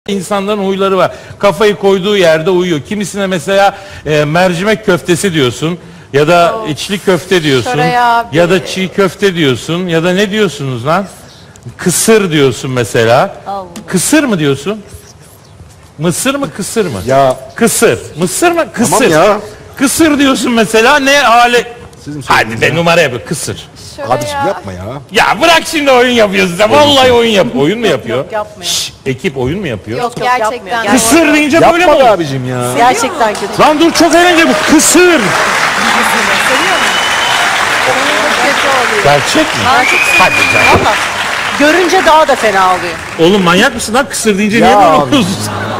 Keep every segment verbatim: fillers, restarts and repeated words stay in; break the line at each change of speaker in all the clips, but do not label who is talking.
İnsanların huyları var. Kafayı koyduğu yerde uyuyor. Kimisine mesela e, mercimek köftesi diyorsun ya da
Of.
içli köfte diyorsun
Şoray abi.
ya da çiğ köfte diyorsun ya da ne diyorsunuz lan? Kısır diyorsun mesela.
Allah.
Kısır mı diyorsun? Mısır mı kısır mı?
Ya
Kısır. Mısır mı? Kısır.
Tamam ya.
Kısır diyorsun mesela ne hale?
Sizin
Hadi
söylediğiniz
be
ya.
numara yapıyor kısır.
Şöyle
Abiciğim
ya.
yapma ya.
Ya bırak şimdi oyun yapıyorsun sen. Vallahi oyun yap. Oyun mu yapıyor?
yok, yapmıyor.
Şşş, ekip oyun mu yapıyor?
Yok,
Yok,
gerçekten.
yapmıyor.
Kısır deyince böyle mi
Yapma be
oluyor?
abicim ya.
Gerçekten kötü.
Lan dur çok eğlenceli bu kısır.
Seviyor musun? Çok kötü oluyor.
Gerçek mi?
Ben çok
Hadi canım.
Valla görünce daha da fena oluyor.
Oğlum manyak mısın lan kısır deyince
Ya
niye böyle
abi.
oluyorsun?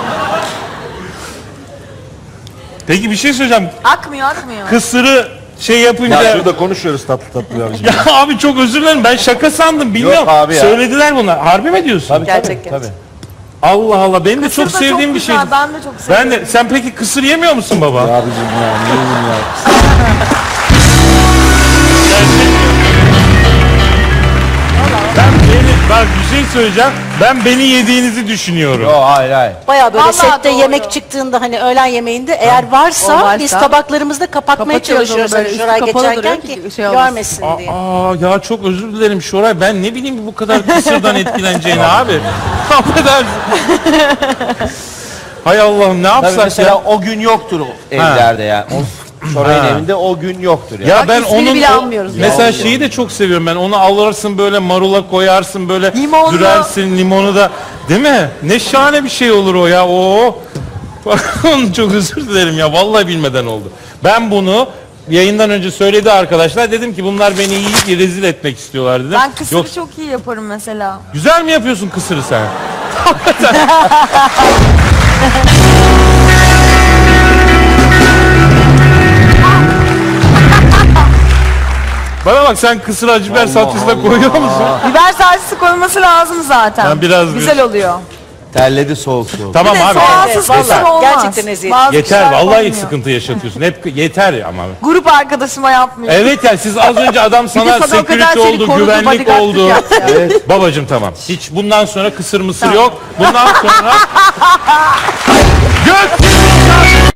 Peki bir şey söyleyeceğim.
akmıyor akmıyor.
Kısırı şey yapınca...
Ya şurada konuşuyoruz tatlı tatlı abicim.
Ya abi çok özür dilerim ben şaka sandım bilmiyorum.
abi ya.
Söylediler bunlar. Harbi mi diyorsun?
Tabii,
Gerçek,
tabii,
gerçek.
tabii.
Allah Allah benim de
Kısır
çok
da
sevdiğim bir şey.
güzel, Ben de çok seviyorum.
Ben de sen peki kısır yemiyor musun baba?
Ya abicim ya neyim ya.
Ben beni, bak bir şey söyleyeceğim. Ben beni yediğinizi düşünüyorum.
Yo hayır hayır.
Baya böyle
Vallahi
sette
doğru.
yemek çıktığında hani öğlen yemeğinde eğer varsa,
O varsa
biz tabaklarımızda kapatmaya
kapatıyoruz
çalışıyoruz
onu
hani
böyle,
Şoray
üstü kapalı
geçerken
duruyor
ki
ki şey olmasın.
görmesin diye.
Aa ya çok özür dilerim Şoray. Ben ne bileyim bu kadar kısırdan etkileneceğini abi. Affedersin. Hay Allah'ım ne
Tabii
yapsak
mesela
ya?
o gün yoktur o evlerde yani. O Şoray'ın
Ha.
evinde o gün yoktur yani.
Ya ben
ismini
onun
bile
o-
almıyoruz ya.
mesela şeyi de çok seviyorum ben. Onu alırsın böyle marula koyarsın böyle
Limonlu.
dürersin limonu da. Değil mi? Ne şahane bir şey olur o ya. Oo. Onu çok özür dilerim ya. Vallahi bilmeden oldu. Ben bunu yayından önce söyledi arkadaşlar. Dedim ki bunlar beni iyi rezil etmek istiyorlar dedim.
Ben kısırı
Yok,
çok iyi yaparım mesela.
güzel mi yapıyorsun kısırı sen? Bana bak sen kısır acı biber salçası da koyuyor musun?
Biber salçası koyması lazım zaten.
Ben biraz
Güzel
bir-
oluyor.
Terledi soğuk soğuk.
Tamam
Bir de
abi.
soğansız
Evet,
kısır
vallahi
olmaz.
gerçekten eziyet.
Bazı
Yeter
kişiler
vallahi
koymuyor.
sıkıntı yaşatıyorsun. Hep yeter ama.
Grup arkadaşıma yapmıyor.
Evet ya siz az önce adam sana
sana o kadar
security
seni
oldu,
korudu,
güvenlik
bodyguardlık
oldu.
yaptı.
Evet. Babacım tamam. Hiç bundan sonra kısır mısır yok. Bundan sonra... Göt!